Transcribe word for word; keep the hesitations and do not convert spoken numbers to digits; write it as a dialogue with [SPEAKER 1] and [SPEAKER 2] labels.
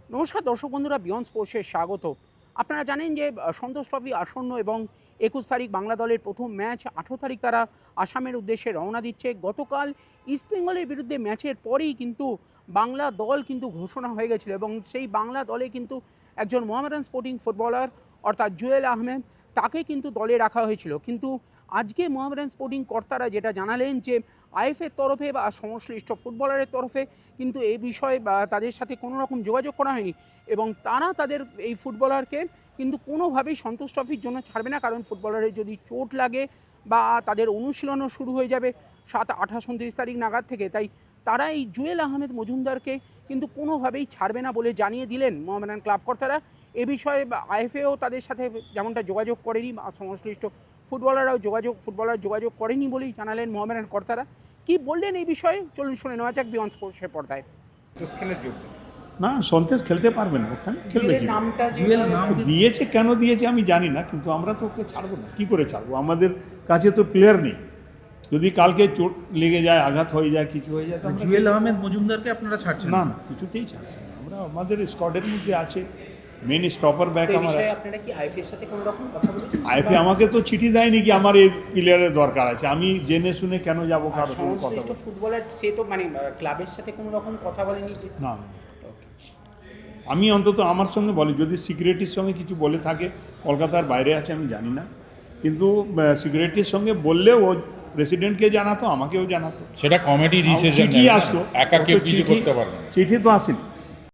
[SPEAKER 1] নমস্কার দর্শক বন্ধুরা, বিয়ন্ড স্পোর্টসে স্বাগত। আপনারা জানেন যে আহ, সন্তোষ ট্রফি আসন্ন এবং একুশ তারিখ বাংলা দলের প্রথম ম্যাচ, আঠেরো তারিখ তারা আসামের উদ্দেশ্যে রওনা দিচ্ছে। গতকাল ইস্টবেঙ্গলের বিরুদ্ধে ম্যাচের পরেই কিন্তু বাংলা দল কিন্তু ঘোষণা হয়ে গেছিলো এবং সেই বাংলা দলে কিন্তু একজন মোহামেডান স্পোর্টিং ফুটবলার অর্থাৎ জুয়েল আহমেদ, তাকে কিন্তু দলে রাখা হয়েছিল। কিন্তু আজকে মোহামেডান স্পোর্টিং কর্তারা যেটা জানালেন যে আইএফের তরফে বা সংশ্লিষ্ট ফুটবলারের তরফে কিন্তু এই বিষয়ে বা তাদের সাথে কোনো রকম যোগাযোগ করা হয়নি এবং তারা তাদের এই ফুটবলারকে কিন্তু কোনোভাবেই সন্তোষ ট্রফির জন্য ছাড়বে না, কারণ ফুটবলারের যদি চোট লাগে বা তাদের অনুশীলনও শুরু হয়ে যাবে সাত আঠাশ উনত্রিশ তারিখ নাগাদ থেকে। তাই তারা এই জুয়েল আহমেদ মজুমদারকে কিন্তু কোনোভাবেই ছাড়বে না বলে জানিয়ে দিলেন মোহামেডান ক্লাব কর্তারা। এ বিষয়ে আইএফএও তাদের সাথে যেমনটা যোগাযোগ করেনি বা সংশ্লিষ্ট ফুটবলাররাও যোগাযোগ ফুটবলার যোগাযোগ করেনি বলেই জানালেন মোহামেডান কর্তারা। কি বললেন এই বিষয়ে চলুন শুনে নেওয়া যাক বিয়ন্ড স্পোর্টসের পর্দায়।
[SPEAKER 2] খেলার যোগ্য
[SPEAKER 3] না, সন্তেশ খেলতে পারবে না, ওখানে খেলবে কি?
[SPEAKER 1] নামটা
[SPEAKER 2] জুয়েল নাম
[SPEAKER 3] দিয়েছে, কেন দিয়েছে আমি জানি না, কিন্তু আমরা তো ওকে ছাড়বো না। কি করে ছাড়বো? আমাদের কাছে তো প্লেয়ার নেই। যদি কালকে চোট লেগে যায়, আঘাত হয়ে যায়, কিছু হয়ে যায়, তো আমরা
[SPEAKER 2] জুয়েল আহমেদ মজুমদারকে আপনারা ছাড়ছেন
[SPEAKER 3] না না কিছুতেই ছাড়ছি না। আমরা আমাদের স্কোয়াডের মধ্যে আছে, মেন স্টপার ব্যাক আমার আছে।
[SPEAKER 1] আপনারা কি আইএফএর সাথে কোনো রকম কথা বলেছেন?
[SPEAKER 3] আইপি আমাকে তো চিঠি দেয়নি কি আমার এই প্লেয়ারের দরকার আছে। আমি জেনে শুনে কেন যাবো কারোর সঙ্গে কথা
[SPEAKER 1] সংশ্লিষ্ট
[SPEAKER 3] বলতে?
[SPEAKER 1] ফুটবলার সে তো মানে ক্লাবের সাথে কোনো রকম কথা বলেনি যে
[SPEAKER 3] না না। আমি অন্তত আমার সঙ্গে বলি, যদি সিকিউরিটির সঙ্গে কিছু বলে থাকে, কলকাতার বাইরে আছে আমি জানি না, কিন্তু সিকিউরিটির সঙ্গে বললে ও প্রেসিডেন্টকে জানাতো, আমাকেও জানাতো,
[SPEAKER 4] সেটা কমিটি ডিসিশন
[SPEAKER 3] চিঠি আসতো,
[SPEAKER 4] একা কেউ কিছু
[SPEAKER 3] চিঠি
[SPEAKER 4] করতে পারবে না।
[SPEAKER 3] চিঠি তো আসেনি।